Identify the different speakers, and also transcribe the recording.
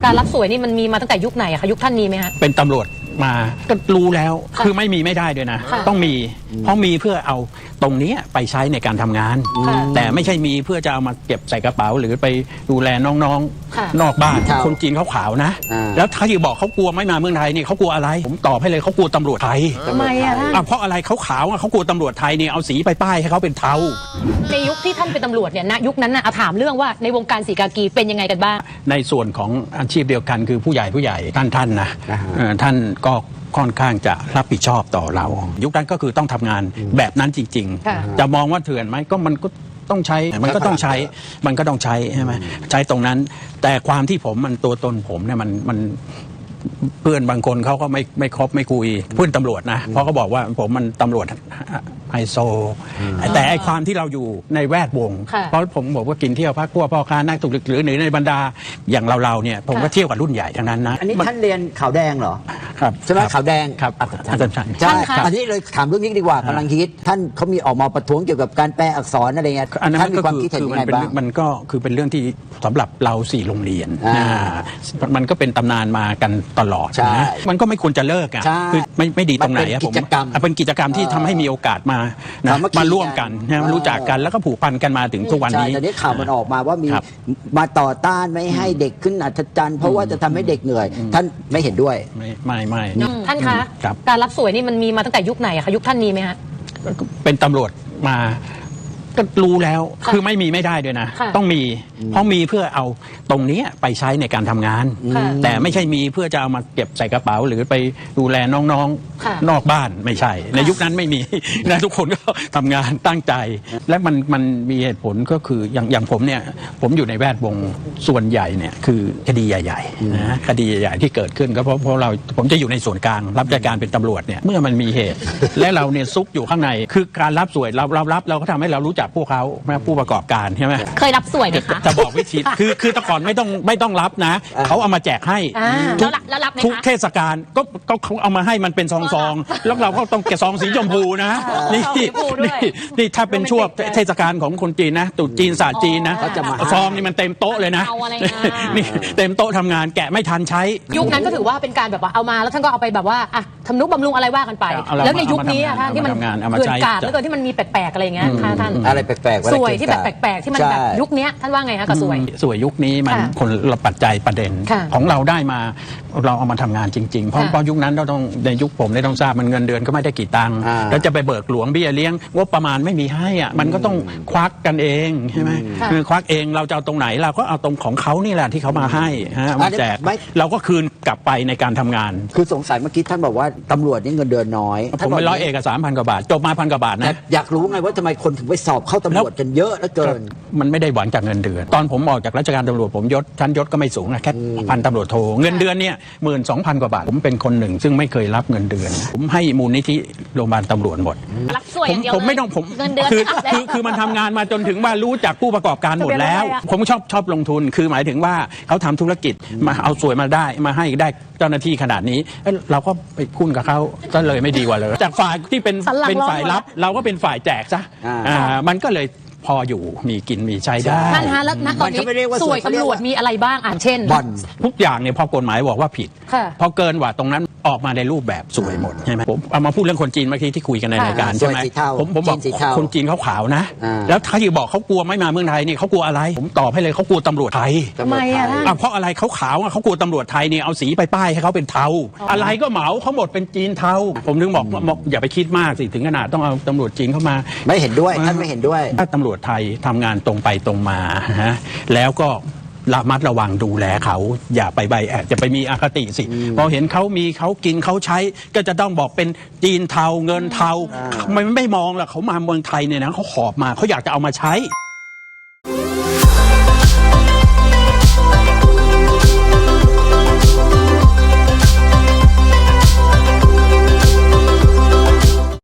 Speaker 1: การรับสวยนี่มันมีมาตั้งแต่ยุคไหนอะคะยุคท่านนี้ไหมฮะ
Speaker 2: เป็นตำรวจมาก็รู้แล้วคือไม่มีไม่ได้ด้วยนะต้องมีเพราะมีเพื่อเอาตรงนี้ไปใช้ในการทำงานแต่ไม่ใช่มีเพื่อจะเอามาเก็บใส่กระเป๋าหรือไปดูแลน้องๆนอกบ้านคนจีนเขาขาวนะแล้วถ้าที่บอกเขากลัวไม่มาเมืองไทยนี่เขากลัวอะไรผมตอบให้เลยเขากลัวตำรวจไทย
Speaker 1: ทำไมอะท่าน
Speaker 2: เพราะอะไรเขาขาวเขากลัวตำรวจไทยเนี่ยเอาสีไปป้ายให้เขาเป็นเทา
Speaker 1: ในยุคที่ท่านเป็นตำรวจเนี่ยณยุคนั้นน่ะถามเรื่องว่าในวงการสีกากีเป็นยังไงกันบ้าง
Speaker 2: ในส่วนของอาชีพเดียวกันคือผู้ใหญ่ท่านนะท่านก็ค่อนข้างจะรับผิดชอบต่อเรายุคนั้นก็คือต้องทำงานแบบนั้นจริงๆจะมองว่าเถื่อนไหมก็มันก็ต้องใช้มันก็ต้องใช้ใช่ไหมใช้ตรงนั้นแต่ความที่ผมมันตัวตนผมเนี่ยมันเพื่อนบางคนเขาก็ไม่ครบไม่คุยเพื่อนตำรวจนะเพราะเขาบอกว่าผมมันตำรวจไฮโซแต่ไอความที่เราอยู่ในแวดวงเพราะผมบอกว่ากินเที่ยวพักพวกพ่อค้านักธุรกิจหรือในบรรดาอย่างเราเนี่ยผมก็เที่ยวกับรุ่นใหญ่ทั้งนั้นนะ
Speaker 3: อันนี้ท่านเรียนขาวแดงเหรอ
Speaker 2: ครับ
Speaker 3: ใช่ไหมขาวแดง
Speaker 2: ครับอาจารย์
Speaker 3: ใช่อันนี้เลยถามเรื่องนี้ดีกว่ากำลังคิดท่านเขามีออกมาประท้วงเกี่ยวกับการแปลอักษรอะไรเงี้ยท่านมีความคิดเห็นยังไงบ้าง
Speaker 2: มันก็คือเป็นเรื่องที่สำหรับเรา4โรงเรียนมันก็เป็นตำนานมากันตลอดนะมันก็ไม่ควรจะเลิกอ่ะคือไม่ดีตรงไหนอะผมเป็นกิจกรรมที่ทำให้มีโอกาสมาร่วมกันรู้จักกันแล้วก็ผูกพันกันมาถึงทุกวันนี้
Speaker 3: แต่นี้ข่าวมันออกมาว่ามีมาต่อต้านไม่ให้เด็กขึ้นอัศจรรย์เพราะว่าจะทำให้เด็กเหนื่อยท่านไม่เห็นด้วย
Speaker 2: ไม่
Speaker 1: ท่านคะการรับสวยนี่มันมีมาตั้งแต่ยุคไหนอะคะยุคท่านนี้ไหมฮะ
Speaker 2: เป็นตำรวจมาก็รู้แล้วคือไม่มีไม่ได้ด้วยนะต้องมีเพราะมีเพื่อเอาตรงนี้ไปใช้ในการทำงานแต่ไม่ใช่มีเพื่อจะเอามาเก็บใส่กระเป๋าหรือไปดูแลน้องๆนอกบ้านไม่ใช่ในยุคนั้นไม่มีนะทุกคนก็ทำงานตั้งใจและมันมีเหตุผลก็คืออย่างผมเนี่ยผมอยู่ในแวดวงส่วนใหญ่เนี่ยคือคดีใหญ่ๆนะคดีใหญ่ๆที่เกิดขึ้นก็เพราะผมจะอยู่ในส่วนกลางรับราชการเป็นตำรวจเนี่ยเมื่อมันมีเหตุและเราเนี่ยซุกอยู่ข้างในคือการรับสวยเรารับเราก็ทำให้เรารู้จักพวกเขาผู้ประกอบการใช่ไหม
Speaker 1: เคยรับสวยไหมคะ
Speaker 2: จะบอกวิธีคือแต่ก่อนไม่ต้องรับนะเขาเอามาแจกให้ทุกเทศกาลก็เขาเอามาให้มันเป็นซองแล้วเราก็ต้องแกะซองสีชมพูนะนี่ถ้าเป็นช่วงเทศกาลของคนจีนนะตุ๊จีนศาสตร์จีนนะซองนี่มันเต็มโต๊ะเลยนะนี่เต็มโต๊ะทำงานแกะไม่ทันใช้
Speaker 1: ยุคนั้นก็ถือว่าเป็นการแบบว่าเอามาแล้วท่านก็เอาไปแบบว่าทำนุบำรุงอะไรว่ากันไปแล้วในยุคนี้ท่านที่มันเกิดการแล้วก็ที่มันมีแปลกๆอะไรอย่างเงี้ยท่าน
Speaker 3: อะไรแปลก
Speaker 1: ๆสวยที่แบบแปลกๆที่มันแบบยุคนี้ท่านว่าไงคะกับสวย
Speaker 2: ยุคนี้มันคนละปัจจัยประเด็นของเราได้มาเราเอามาทำงานจริงๆเพราะยุคนั้นเราต้องในยุคผมได้ต้องทราบมันเงินเดือนก็ไม่ได้กี่ตังค์แล้วจะไปเบิกหลวงเบี้ยเลี้ยงงบประมาณไม่มีให้อ่ะมันก็ต้องควักกันเองใช่ไหมคือควักเองเราจะเอาตรงไหนเราก็เอาตรงของเขานี่แหละที่เขามาให้มาแจกเราก็คืนกลับไปในการทำงาน
Speaker 3: คือสงสัยเมื่อกี้ท่านบอกว่าตำรวจนี่เงินเดือนน้อย
Speaker 2: ผมไปร้อยเอก3,000 กว่าบาทจบมา1,000 กว่าบาทนะ
Speaker 3: อยากรู้ไงว่าทำไมคนถึงไปสอบเข้าตำรวจกันเยอะเหลือเกิน
Speaker 2: มันไม่ได้หวังจากเงินเดือนตอนผมออกจากราชการตำรวจผมชั้นยศก็ไม่สูงนะแค่พันตำรวจโทเงินเดือนเนี่ย12,000 กว่าบาทผมเป็นคนหนึ่งซึ่งไม่เคยรับเงินเดือนผมให้มูลนิธิโรงพยาบาลตำรวจหมด
Speaker 1: รับสวย
Speaker 2: ผมไม่ต้องผม
Speaker 1: เงินเดือน
Speaker 2: คือมันทำงานมาจนถึงว่ารู้จักผู้ประกอบการหมดแล้วผมชอบลงทุนคือหมายถึงว่าเขาทำธุรกิจมาเอาสวยมาได้มาให้ได้เจ้าหน้าที่ขนาดนี้เราก็ไปคุ้นกับเขาก็เลยไม่ดีกว่าเลยจากฝ่ายที่เป็นฝ่ายรับเราก็เป็นฝ่ายแจกซะมันก็เลยพออยู่มีกินมีใช้ได้
Speaker 1: ท่านคะแล้วณตอนนี้สวยตำรวจมีอะไรบ้างเช่น
Speaker 2: ทุกอย่างเนี่ยพอกฎหมายบอกว่าผิดพอเกินกว่าตรงนั้นออกมาในรูปแบบสวยหมดใช่ไหมผมเอามาพูดเรื่องคนจีนเมื่อกี้ที่คุยกันในรายการใช่ไหมผมบอกคนจีนเขาขาวนะแล้วถ้าที่บอกเขากลัวไม่มาเมืองไทยนี่เขากลัวอะไรผมตอบให้เลยเขากลัวตำรวจไทย
Speaker 1: ทำไม
Speaker 2: เพราะอะไรเขาขาวเขากลัวตำรวจไทยเนี่ยเอาสีไปป้ายให้เขาเป็นเทาอะไรก็เหมาเขาหมดเป็นจีนเทาผมถึงบอกอย่าไปคิดมากสิถึงขนาดต้องเอาตำรวจจีนเข้ามา
Speaker 3: ไม่เห็นด้วยท่านไม่เห็นด้วย
Speaker 2: ถ้าตำรวจไทยทำงานตรงไปตรงมาแล้วก็ระมัดระวังดูแลเขาอย่าไปใบแอบจะไปมีอคติสิพอเห็นเขามีเขากินเขาใช้ก็จะต้องบอกเป็นจีนเทาเงินเทาไม่มองล่ะเขามาเมืองไทยเนี่ยนะเขาขอบมาเขาอยากจะเอามาใช้